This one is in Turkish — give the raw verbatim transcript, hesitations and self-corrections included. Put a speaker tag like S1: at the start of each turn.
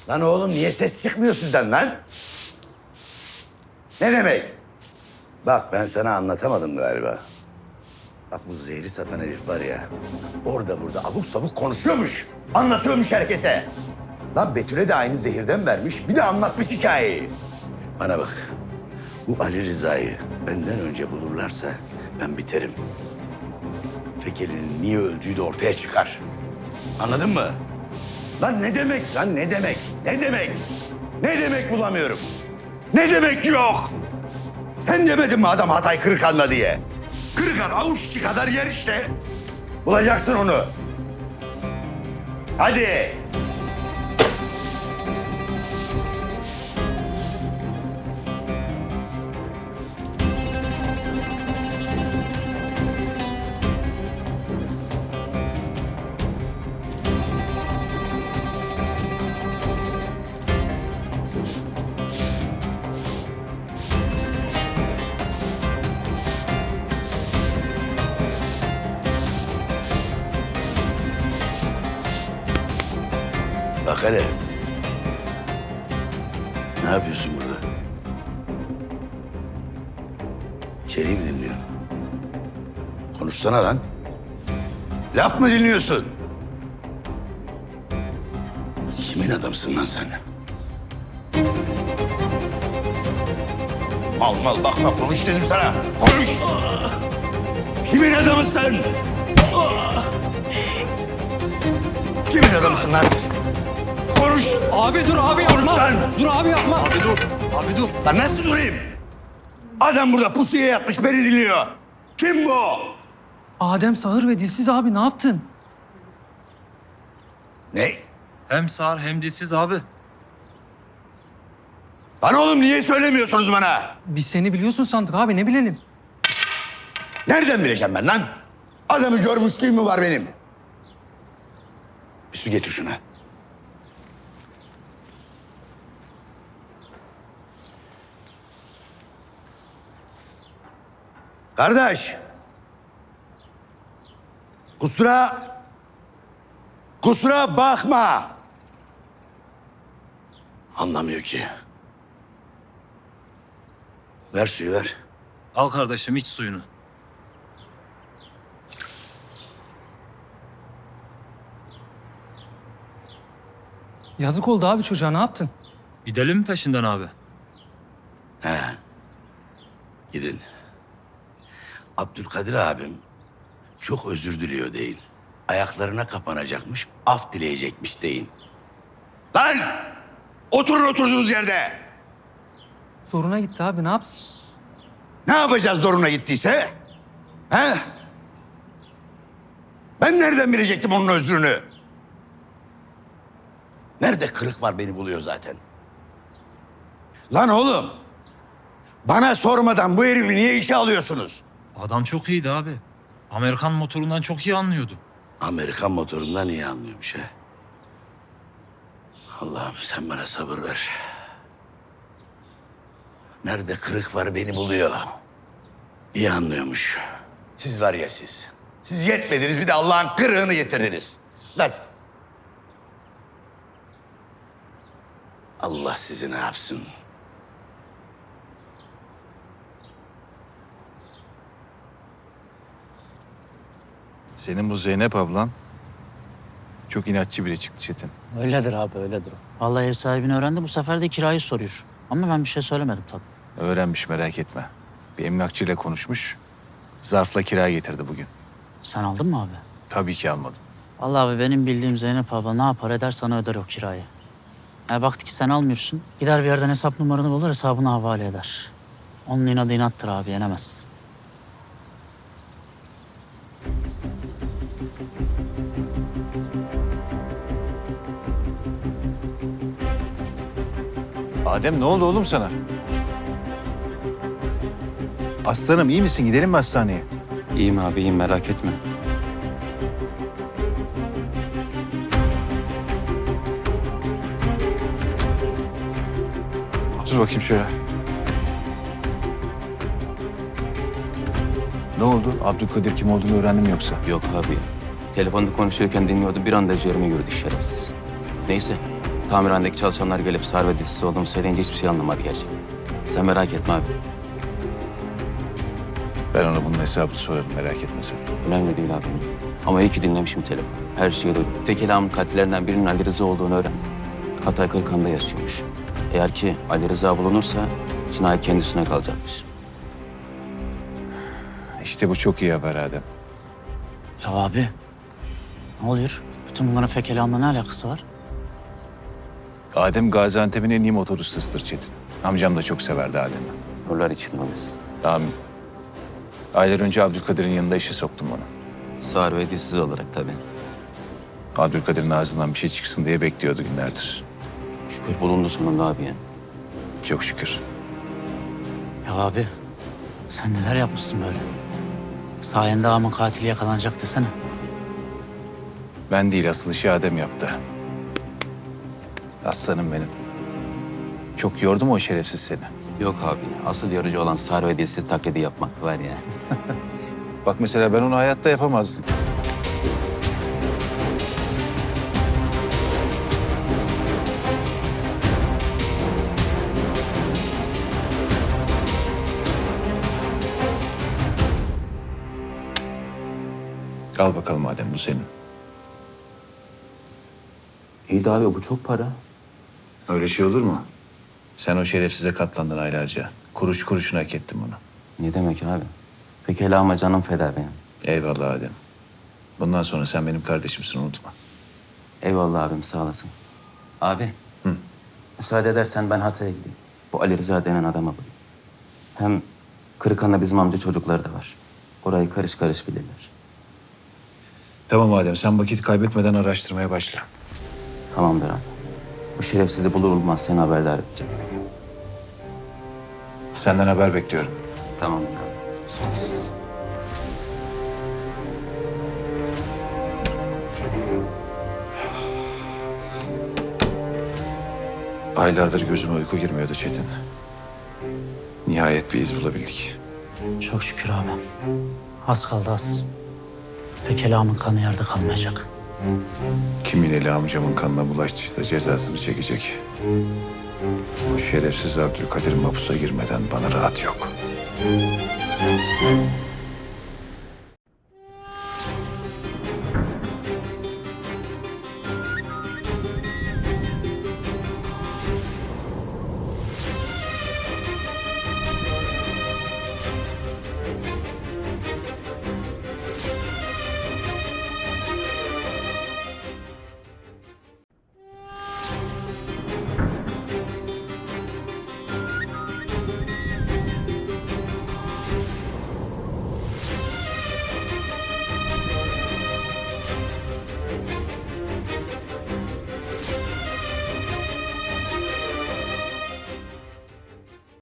S1: Lan oğlum niye ses çıkmıyor sizden lan? Ne demek? Bak ben sana anlatamadım galiba. Bak bu zehri satan herif var ya. Orada burada abuk sabuk konuşuyormuş. Anlatıyormuş herkese. Lan Betül'e de aynı zehirden vermiş. Bir de anlatmış hikayeyi. Bana bak. Bu Ali Rıza'yı benden önce bulurlarsa ben biterim. Fekeli'nin niye öldüğü de ortaya çıkar. Anladın mı? Lan ne demek lan ne demek? Ne demek? Ne demek bulamıyorum? Ne demek yok? Sen demedin mi adam Hatay Kırıkhan'la diye? Kırıkhan avuç içi kadar yer işte. Bulacaksın onu. Hadi. Bak hele. Ne yapıyorsun burada? İçeriği mi dinliyorsun? Konuşsana lan. Laf mı dinliyorsun? Kimin adamsın lan sen? Mal mal bakma konuş dedim sana. Konuş. Kimin adamısın? Kimin adamısın lan? Konuş.
S2: Abi dur abi
S1: Konuş
S2: yapma.
S1: lan.
S2: Dur abi yapma.
S3: Abi dur, abi dur.
S1: Lan nasıl durayım? Adam burada pusuya yatmış beni dinliyor. Kim bu?
S2: Adem Sağır ve Dilsiz abi ne yaptın?
S1: Ne?
S3: Hem sağır hem dilsiz abi.
S1: Lan oğlum niye söylemiyorsunuz bana?
S2: Biz seni biliyorsun sandık abi ne bilelim.
S1: Nereden bileceğim ben lan? Adamı görmüşlüğüm mü var benim? Bir su getir şuna. Kardeş. Kusura... Kusura bakma. Anlamıyor ki. Ver suyu ver.
S3: Al kardeşim iç suyunu.
S2: Yazık oldu abi çocuğa ne yaptın?
S3: Gidelim mi peşinden abi?
S1: He. Gidin. Abdülkadir abim çok özür diliyor değil. Ayaklarına kapanacakmış, af dileyecekmiş deyin. Lan! Oturun oturduğunuz yerde.
S2: Zoruna gitti abi ne yapsın?
S1: Ne yapacağız zoruna gittiyse? He? Ben nereden bilecektim onun özrünü? Nerede kırık var beni buluyor zaten. Lan oğlum! Bana sormadan bu herifi niye işe alıyorsunuz?
S3: Adam çok iyiydi abi. Amerikan motorundan çok iyi anlıyordu.
S1: Amerikan motorundan iyi anlıyormuş ha. Allah'ım sen bana sabır ver. Nerede kırık var beni buluyor. İyi anlıyormuş. Siz var ya siz. Siz yetmediniz bir de Allah'ın kırığını getirdiniz. Lan. Allah sizi ne yapsın?
S4: Senin bu Zeynep ablan çok inatçı biri çıktı Çetin.
S5: Öyledir abi öyledir. Vallahi ev sahibini öğrendi bu sefer de kirayı soruyor. Ama ben bir şey söylemedim tabii.
S4: Öğrenmiş merak etme. Bir emlakçıyla konuşmuş. Zarfla kira getirdi bugün.
S5: Sen aldın mı abi?
S4: Tabii ki almadım.
S5: Vallahi abi benim bildiğim Zeynep abla ne yapar eder sana öder o kirayı. Ya baktı ki sen almıyorsun. Gider bir yerden hesap numaranı bulur hesabını havale eder. Onun inadı inattır abi yenemezsin.
S4: Adem ne oldu oğlum sana? Aslanım iyi misin? Gidelim mi hastaneye?
S6: İyiyim abi, iyiyim merak etme.
S4: Dur bakayım şöyle. Ne oldu? Abdülkadir kim olduğunu öğrendin mi yoksa?
S6: Yok abi. Telefonda konuşuyorken dinliyordu. Bir anda ciğerime yürüdü şerefsiz. Neyse. Tamirhanedeki çalışanlar gelip Sar ve dilsiz olduğumu söyleyince hiçbir şey anlamadı gerçekten. Sen merak etme abi.
S4: Ben ona bunun hesabını sorarım, merak etme sen.
S6: Önemli değil abi. Ama iyi ki dinlemişim telefonu. Her şeyi duydum. Tekelamın katillerinden birinin Ali Rıza olduğunu öğrendim. Hatay Kırıkhan'da yaşıyormuş. Eğer ki Ali Rıza bulunursa cinayet kendisine kalacakmış.
S4: İşte bu çok iyi haber Adem.
S5: Ya abi ne oluyor? Bütün bunların fekelamla ne alakası var?
S4: Adem Gaziantep'in en iyi motor ustasıdır Çetin. Amcam da çok severdi Adem'i.
S6: Nurlar için olmasın.
S4: Amin. Aylar önce Abdülkadir'in yanında işe soktum onu.
S6: Sağır ve dilsiz olarak tabii.
S4: Abdülkadir'in ağzından bir şey çıksın diye bekliyordu günlerdir.
S6: Şükür bulundu sonunda abi ya.
S4: Çok şükür.
S5: Ya abi sen neler yapmışsın böyle? Sayende ağamın katili yakalanacak desene.
S4: Ben değil, asıl işi Adem yaptı. Aslanım benim. Çok yordu mu o şerefsiz seni?
S6: Yok abi. Asıl yorucu olan sağır ve dilsiz taklidi yapmak var ya.
S4: Bak mesela ben onu hayatta yapamazdım. Al bakalım Adem, bu senin.
S6: İyi de abi bu çok para.
S4: Öyle şey olur mu? Sen o şerefsize katlandın aylarca. Kuruş kuruşuna hak ettin bunu.
S6: Ne demek abi? Peki hele ama canım feda benim.
S4: Eyvallah Adem. Bundan sonra sen benim kardeşimsin, unutma.
S6: Eyvallah abim sağ olasın. Abi.
S4: Hı.
S6: Müsaade edersen ben Hatay'a gideyim. Bu Ali Rıza denen adama bulayım. Hem Kırıkhan'da bizim amca çocukları da var. Orayı karış karış bilirler.
S4: Tamam Adem, sen vakit kaybetmeden araştırmaya başla.
S6: Tamamdır abi. Bu şerefsizi bulur bulmaz seni haberdar edeceğim.
S4: Senden haber bekliyorum.
S6: Tamamdır abi. Sağ olasın.
S4: Aylardır gözüme uyku girmiyordu Çetin. Nihayet bir iz bulabildik.
S5: Çok şükür abi. Az kaldı az. Fekelamın kanı yerde kalmayacak.
S4: Kimin eli amcamın kanına bulaştıysa cezasını çekecek. O şerefsiz Abdülkadir mahpusa girmeden bana rahat yok.